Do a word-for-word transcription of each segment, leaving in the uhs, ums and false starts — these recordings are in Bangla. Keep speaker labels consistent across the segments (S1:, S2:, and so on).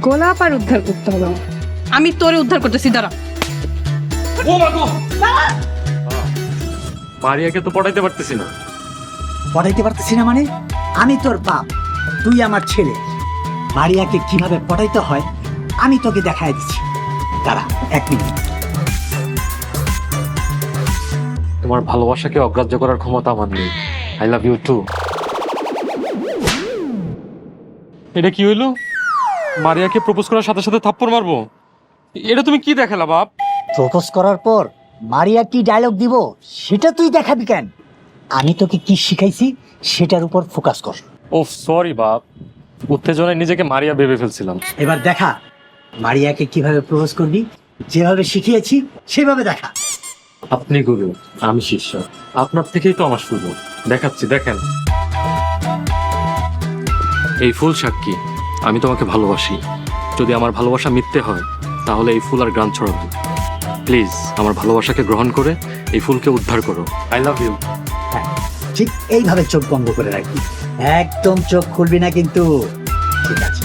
S1: গোলাপ আর উদ্ধার করতে হবে।
S2: আমি তোরে উদ্ধার করতেছি, দাঁড়া।
S3: ও মা গো! মারিয়াকে তো পড়াইতে পারতেছি না।
S4: পড়াইতে পারতেছি না মানে? আমি তোর বাপ, তুই আমার ছেলে। মারিয়াকে কিভাবে পড়াইতে হয় আমি তোকে দেখাই দিচ্ছি। দাঁড়া এক মিনিট।
S3: তোমার ভালোবাসাকে অগ্রাহ্য করার ক্ষমতা আমার নেই। I love you too. এটা কি হইলো? মারিয়াকে প্রপোজ করার সাথে সাথে থাপ্পড় মারবো? এটা তুমি কি দেখালা বাপ?
S4: প্রপোজ করার পর মারিয়া কি ডায়লগ দিব সেটা তুই দেখাবি কেন? আমি তোকে কি শিখাইছি সেটার উপর ফোকাস কর।
S3: ও সরি বাপ, উত্তেজনায় নিজেকে মারিয়া ভেবে ফেলছিলাম।
S4: এবার দেখা মারিয়াকে কিভাবে প্রপোজ করবি। যেভাবে শিখিয়েছি সেভাবে দেখা।
S3: আপনি গুরু, আমি শিষ্য। আপনার থেকেই তো আমার শুরু। দেখাচ্ছি, দেখেন। এই ফুল সাক্ষী আমি তোমাকে ভালোবাসি। যদি আমার ভালোবাসা মিথ্যে হয় তাহলে এই ফুল আর গান ছড়াবে। প্লিজ আমার ভালোবাসাকে গ্রহণ করে এই ফুলকে উদ্ধার করো। I love you.
S4: হ্যাঁ, ঠিক এইভাবে চোখ বন্ধ করে রাখবি, একদম চোখ খুলবি না কিন্তু। ঠিক আছে?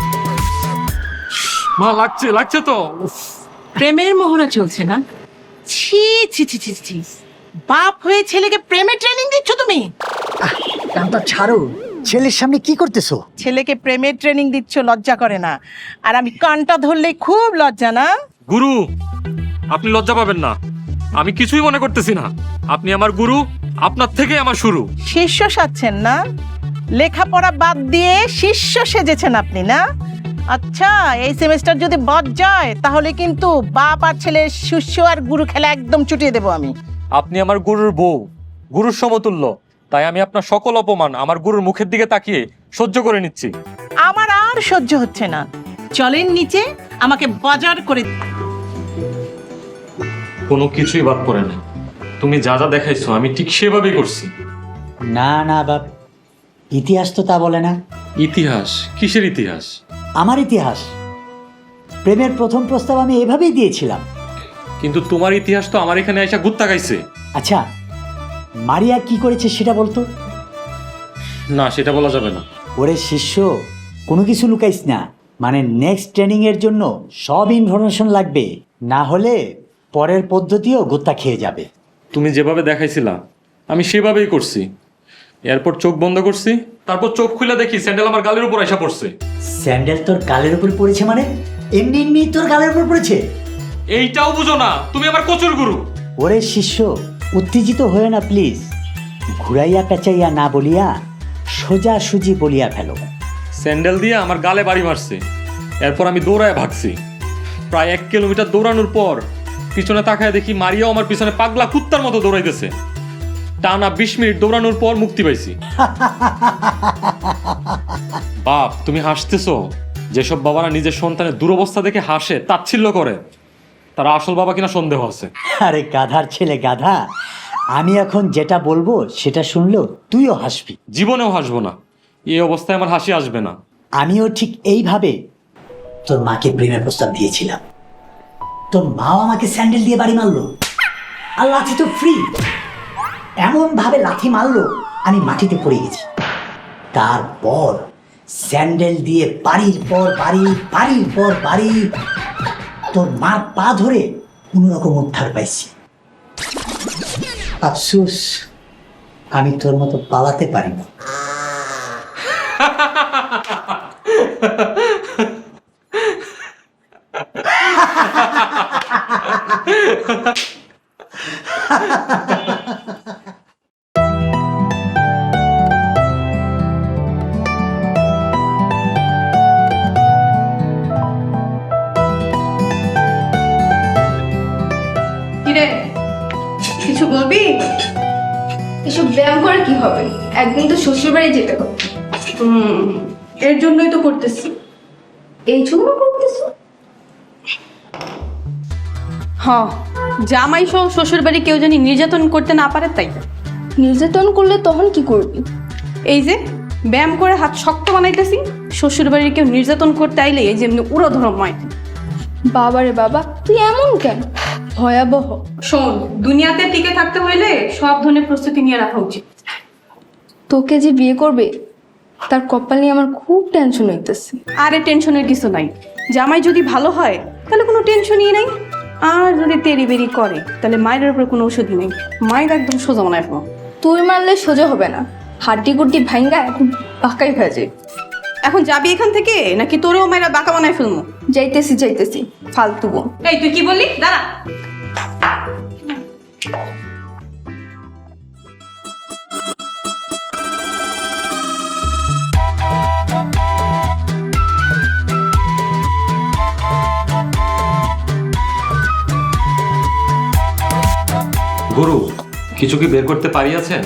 S3: মা লাগছে, লাগছে তো।
S2: প্রেমের মোহনা চলছে না? ছি ছি ছি ছি ছি। বাপ হয়ে ছেলেকে প্রেমের ট্রেনিং দিচ্ছ তুমি?
S4: কামটা ছাড়ো, ছেলের সামনে কি করতেছো?
S2: ছেলেকে প্রেমের ট্রেনিং দিচ্ছ, লজ্জা করে না? আর আমি কানটা ধরলেই খুব লজ্জা না?
S3: গুরু, আপনি লজ্জা পাবেন না। আমি কিছুই মনে করতেছি না। আপনি আমার গুরু, আপনার থেকে আমার শুরু।
S2: শিষ্য সাজছেন না? লেখাপড়া বাদ দিয়ে শিষ্য সেজেছেন আপনি না? আচ্ছা, এই সেমিস্টার যদি বাদ যায় তাহলে কিন্তু বাপ আর ছেলের শিষ্য আর গুরু খেলা একদম চুটিয়ে দেবো আমি।
S3: আপনি আমার গুরুর বউ, গুরুর সমতুল্য। তাই আমি আপনার সকল অপমান আমার গুরুর মুখের দিকে তাকিয়ে সহ্য করে নিচ্ছি।
S2: আমার আর সহ্য হচ্ছে না। চলেন নিচে, আমাকে বাজার করে।
S3: কোনো কিছুই বাদ পড়ে না। তুমি যা যা দেখাইছো আমি ঠিক সেভাবেই করছি।
S4: না না বাপ, ইতিহাস তো তা বলে না।
S3: ইতিহাস? কিসের ইতিহাস?
S4: আমার ইতিহাস। প্রেমের প্রথম প্রস্তাব আমি এভাবেই দিয়েছিলাম।
S3: কিন্তু তোমার ইতিহাস তো আমার এখানে এসে গুত্তা গাইছে।
S4: আচ্ছা, মারিয়া কি করেছে সেটা বলতো?
S3: না, সেটা বলা যাবে না।
S4: ওরে শিষ্য, কোনো কিছু লুকাইস না। মানে নেক্সট ট্রেনিং এর জন্য সব ইনফরমেশন লাগবে, না হলে পরের পদ্ধতিও গোত্তা খেয়ে যাবে।
S3: তুমি যেভাবে দেখাইছিলা আমি সেভাবেই করছি। এরপর চোখ বন্ধ করছি, তারপর চোখ খুলে দেখি স্যান্ডেল আমার গালের উপর এসে পড়ছে।
S4: স্যান্ডেল তোর গালের উপর পড়েছে মানে? এমনি এমনি তোর গালের উপর পড়েছে?
S3: এইটাও বুঝো না? তুমি আমার কচুর গুরু।
S4: ওরে শিষ্য, উত্তেজিত হয়ে না প্লিজ। ঘুরাইয়া পেঁচাইয়া না বলিয়া সোজা সুজি বলিয়া ফেলো।
S3: স্যান্ডেল দিয়ে আমার গালে বাড়ি মারছে। এরপর আমি দৌড়ায় ভাগছি। প্রায় এক কিলোমিটার দৌড়ানোর পর পিছনে তাকায় দেখি মারিয়াও আমার পিছনে পাগলা কুত্তার মতো দৌড়াইতেছে। টানা বিশ মিনিট দৌড়ানোর পর মুক্তি পাইছি। বাপ, তুমি হাসতেছো? যেসব বাবারা নিজের সন্তানের দুরবস্থা দেখে হাসে, তাচ্ছিল্য করে, তারা আসল বাবা কিনা সন্দেহ আছে।
S4: আরে গাধার ছেলে গাধা, আমি এখন যেটা বলবো সেটা শুনলেও তুইও হাসবি।
S3: জীবনেও হাসবো না। এই অবস্থায় আমার হাসি আসবে না।
S4: আমিও ঠিক এইভাবে তোর মাকে প্রেমের প্রস্তাব দিয়েছিলাম। তোর মাও আমাকে স্যান্ডেল দিয়ে বাড়ি মারলো, আর লাঠি তো ফ্রি। এমন ভাবে লাথি মারলো আমি মাটিতে পড়ে গেছি। তারপর স্যান্ডেল দিয়ে বাড়ির পর বাড়ি, বাড়ির পর বাড়ি, তোর মার পা ধরে কোনো রকম উদ্ধার পাইছি। আফসোস, আমি তোর মতো পালাতে পারি না।
S1: কিরে, কিছু বলবি?
S5: এসব ব্যায়াম করে কি হবে? একদিন তো শ্বশুর বাড়ি যেতে হবে।
S1: হুম, এর জন্যই তো করতেছি।
S5: এই জন্য করতেছো?
S1: হ্যাঁ, জামাই সহ শ্বশুর বাড়ি কেউ জানি নির্যাতন করতে না পারে তাই।
S5: নির্যাতন করলে তখন কি করবি?
S1: এই যে ব্যায়াম করে হাত শক্ত বানাইতেছি, শ্বশুর বাড়ির কেউ নির্যাতন করতে আইলে এই যেমনি উড়ো ধর্ময়।
S5: বাবারে বাবা, তুই এমন কেন? ভয়াবহ।
S1: শোন, দুনিয়াতে টিকে থাকতে হইলে সব ধরনের প্রস্তুতি নিয়ে রাখা উচিত।
S5: তোকে যে বিয়ে করবে তার কপাল নিয়ে আমার খুব টেনশন হইতেছে।
S1: আরে টেনশনের কিছু নাই। জামাই যদি ভালো হয় তাহলে কোনো টেনশনই নেই, আর যদি তেরি বেরি করে তাহলে মায়ের উপরে কোনো ওষুধই নেই, মায়ের একদম সোজা মনে রাখবো।
S5: তুই মারলে সোজা হবে না, হাড্ডি গুড্ডি ভাঙ্গা এখন পাকাই হয়ে যায়।
S1: এখন যাবি এখান থেকে নাকি তোরেও মায়েরা বাঁকা বানায় ফেলবো?
S5: যাইতেছি যাইতেছি ফালতু বোন।
S1: এই তুই কি বললি? দাঁড়া।
S3: গুরু, কিছু কি বের করতে পারিয়াছেন?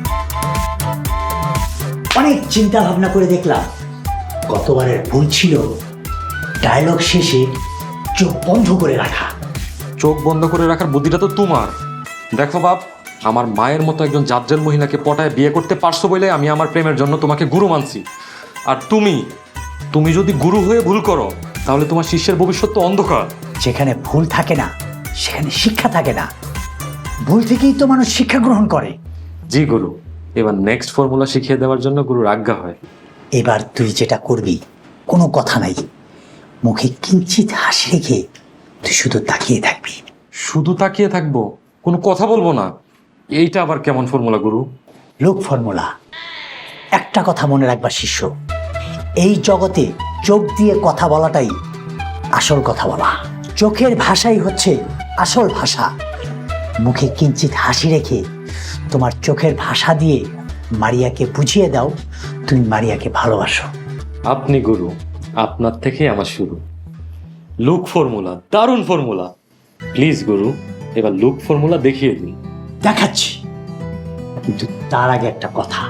S4: অনেক চিন্তা ভাবনা করে দেখলাম গতবারের ভুল ছিল ডায়লগ শেষে চোখ বন্ধ করে রাখা।
S3: চোখ বন্ধ করে রাখার বুদ্ধিটা তো তোমার। দেখো বাপ, আমার মায়ের মতো একজন জাজ্জাল মহিলাকে পটায় বিয়ে করতে পারছো বলে আমি আমার প্রেমের জন্য তোমাকে গুরু মানছি। আর তুমি তুমি যদি গুরু হয়ে ভুল করো তাহলে তোমার শিষ্যের ভবিষ্যৎ তো অন্ধকার।
S4: যেখানে ভুল থাকে না সেখানে শিক্ষা থাকে না, ভুল থেকেই তো মানুষ শিক্ষা গ্রহণ করে।
S3: জি গুরু, এবার নেক্সট ফর্মুলা শিখিয়ে দেওয়ার জন্য গুরুর আজ্ঞা হয়।
S4: এবার তুই যেটা করবি কোনো কথা নাই, মুখে কিঞ্চিত হাসি রেখে তুই শুধু তাকিয়ে থাকবি।
S3: শুধু তাকিয়ে থাকবো, কোনো কথা বলবো না? এইটা আবার কেমন ফর্মুলা গুরু?
S4: লোক ফর্মুলা। একটা কথা মনে রাখবা শিষ্য, এই জগতে চোখ দিয়ে কথা বলাটাই আসল কথা বলা। চোখের ভাষাই হচ্ছে আসল ভাষা। মুখে কিঞ্চিত হাসি রেখে তোমার চোখের ভাষা দিয়ে মারিয়াকে বুঝিয়ে দাও তুমি মারিয়াকে ভালোবাসো।
S3: আপনি গুরু, আপনার থেকে আমার শুরু। লুক ফর্মুলা, দারুণ ফর্মুলা। প্লিজ গুরু, এবার লুক ফর্মুলা দেখিয়ে দিন।
S4: দেখাচ্ছি, কিন্তু তার আগে একটা কথা,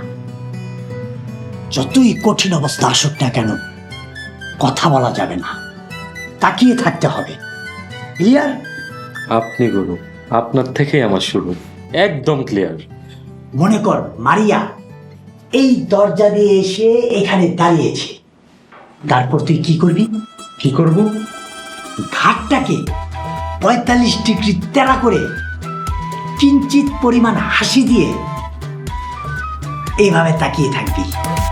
S4: যতই কঠিন অবস্থা আসুক না কেন কথা বলা যাবে না, তাকিয়ে থাকতে হবে। ক্লিয়ার?
S3: আপনি গুরু, আপনার থেকে আমার শুরু। একদম ক্লিয়ার।
S4: মনে কর মারিয়া এই দরজা দিয়ে এসে এখানে দাঁড়িয়েছে, তারপর তুই কি করবি?
S3: কি করব?
S4: ঘাটটাকে পঁয়তাল্লিশ ডিগ্রি তেরা করে কিঞ্চিত পরিমাণ হাসি দিয়ে এইভাবে তাকিয়ে থাকবি।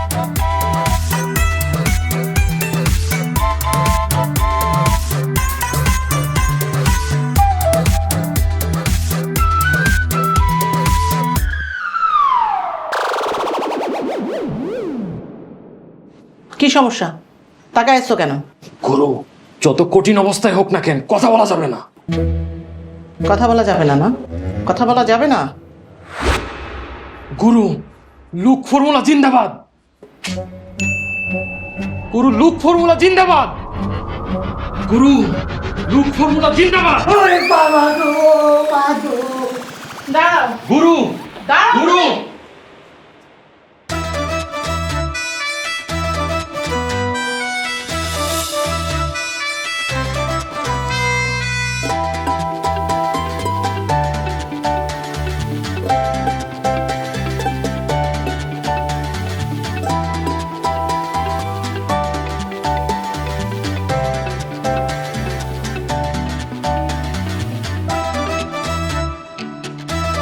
S2: কি সমস্যা? তাকায় এসছো কেন?
S3: গুরু, যত কঠিন অবস্থায় হোক না কেন কথা বলা যাবে না।
S2: কথা বলা যাবে না? না কথা বলা যাবে না?
S3: গুরু, লুক ফর্মুলা জিন্দাবাদ। গুরু, লুক ফর্মুলা জিন্দাবাদ। গুরু, লুক ফর্মুলা জিন্দাবাদ।
S2: দাঁড়াও
S3: গুরু,
S2: দাঁড়াও
S3: গুরু,